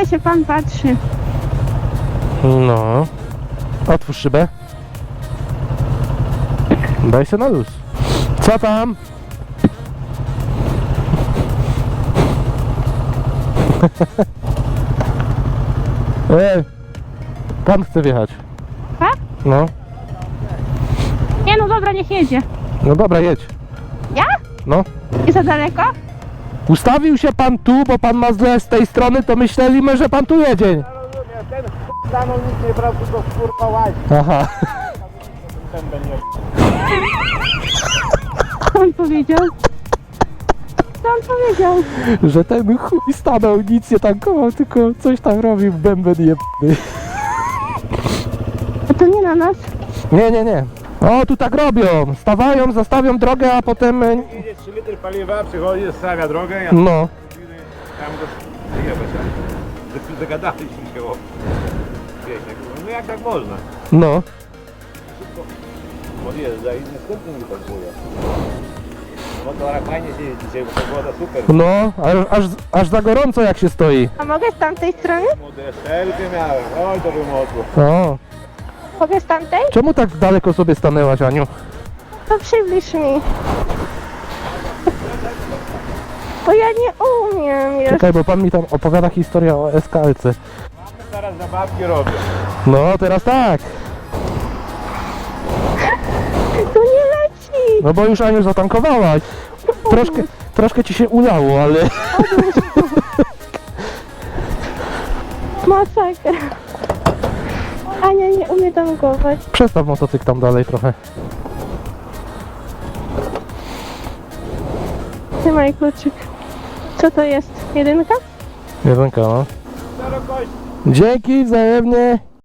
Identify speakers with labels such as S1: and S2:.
S1: się pan patrzy.
S2: No. Otwórz szybę. Daj się na luz. Co tam? Pan chce wjechać.
S1: Tak?
S2: No.
S1: Nie no dobra, niech jedzie.
S2: No dobra, jedź.
S1: Ja?
S2: No.
S1: I za daleko?
S2: Ustawił się pan tu, bo pan ma źle z tej strony, to myśleliśmy, że pan tu jedzie.
S3: Ja rozumiem, ten stanął, nic nie brał, tylko kurwa łazi.
S2: Aha.
S3: Ten będzie.
S1: Co on powiedział? Co on powiedział?
S2: Że ten chuj stanął, nic nie tankował, tylko coś tam robił, bęben jebny.
S1: A to nie na nas?
S2: Nie, nie, nie. O, tu tak robią. Stawają, zostawią drogę, a potem...
S3: Idzie 3 litry paliwa, przychodzi, stawia drogę, ja
S2: No.
S3: tam go jebać. Dogadaliśmy się o... Wiecie, no jak tak można?
S2: No.
S3: Podjeżdża i następny mi parkuje. W motorach fajnie się jeździ dzisiaj, bo pogoda super.
S2: No, aż za gorąco jak się stoi.
S1: A mogę z tamtej strony?
S3: Młode szelki miałem, oj to by mogło.
S2: O.
S1: Mogę z tamtej?
S2: Czemu tak daleko sobie stanęłaś, Aniu?
S1: To przybliż mi. Bo ja nie umiem już.
S2: Czekaj, bo pan mi tam opowiada historię o SKLC.
S3: Teraz zabawki robię.
S2: No, teraz tak.
S1: To nie leci.
S2: No bo już, Aniu, zatankowałaś. Troszkę ci się udało, ale...
S1: Masakra. Ania nie umie tankować.
S2: Przestaw motocykl tam dalej trochę.
S1: Trzymaj kluczyk. Co to jest? Jedynka?
S2: Jedynka, no.
S3: Szerokość.
S2: Dzięki, wzajemnie.